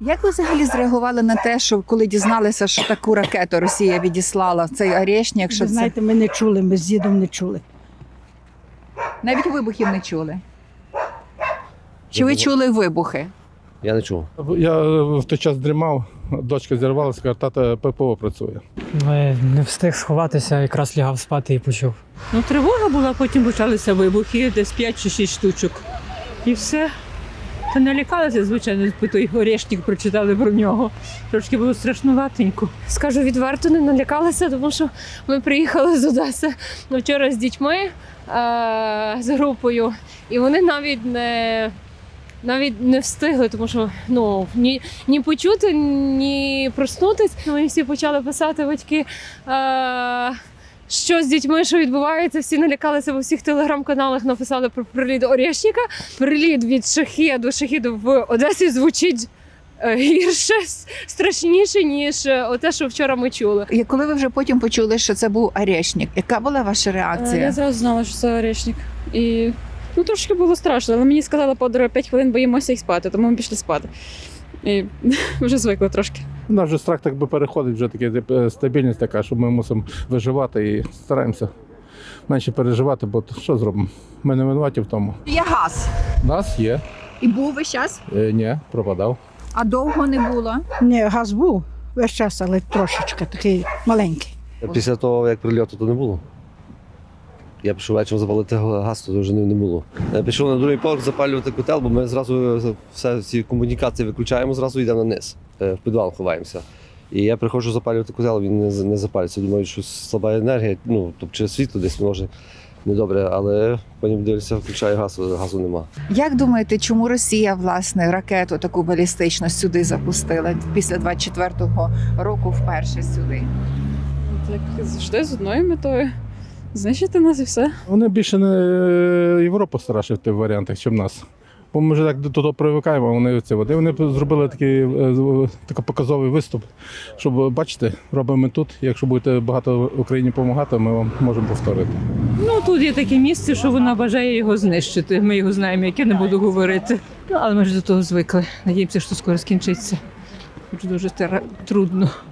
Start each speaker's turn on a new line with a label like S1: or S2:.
S1: Як ви взагалі зреагували на те, що коли дізналися, що таку ракету Росія відіслала, цей Орешник, що
S2: Ви
S1: це
S2: знаєте, ми не чули, ми з дідом не чули.
S1: навіть вибухів не чули? Чи ви чули вибухи?
S3: Я не чув.
S4: Я в той час дрімав, дочка зірвалася, каже, тата ППО працює.
S5: Не встиг сховатися, якраз лягав спати і почув.
S6: Ну, тривога була, потім почалися вибухи, десь 5 чи 6 штучок. І все. Та налякалася, звичайно, той Орешник прочитали про нього. Трошки було страшнуватенько.
S7: Скажу відверто, не налякалася, тому що ми приїхали з Одеси вчора з дітьми, з групою, і вони навіть не встигли, тому що ні почути, ні проснутись. Ми всі почали писати батьки, що з дітьми, що відбувається. Всі налякалися, в усіх телеграм-каналах написали про приліт Орешника. Приліт від шахіду в Одесі звучить гірше, страшніше, ніж те, що вчора ми чули.
S1: І коли ви вже потім почули, що це був Орешник, яка була ваша реакція?
S8: Я зразу знала, що це Орешник. І трошки було страшно, але мені сказала подруга 5 хвилин боїмося і спати, тому ми пішли спати. І вже звикли трошки.
S4: У нас вже страх так би переходить, вже така стабільність така, що ми мусимо виживати і стараємося менше переживати, бо що зробимо? Ми не винуваті в тому.
S1: Є газ.
S4: У нас є.
S1: І був весь час?
S4: Ні, пропадав.
S1: А довго не було?
S2: Ні, газ був весь час, але трошечки такий маленький.
S3: Після того, як прильоту, то не було. Я пішов вечором запалити газ, то вже не було. Я пішов на другий поверх запалювати котел, бо ми зразу ці комунікації виключаємо, зразу йдемо на низ, в підвал ховаємося. І я приходжу запалювати котел, він не запалюється. Думаю, що слаба енергія, тобто через світло десь може недобре, але потім дивлюся, включаю газ, газу нема.
S1: Як думаєте, чому Росія, власне, ракету таку балістичну сюди запустила після 24-го року вперше сюди?
S8: Так завжди з одною метою. Знищити нас і все.
S4: Вони більше не Європу старше в тих варіантах, ніж нас. Бо ми вже так до того привикаємо, а вони це. Вони зробили такий показовий виступ, щоб, бачите, робимо тут. Якщо будете багато Україні допомагати, ми вам можемо повторити.
S6: Тут є таке місце, що вона бажає його знищити. Ми його знаємо, як я не буду говорити. Але ми ж до того звикли. Надіємося, що скоро скінчиться. Дуже трудно.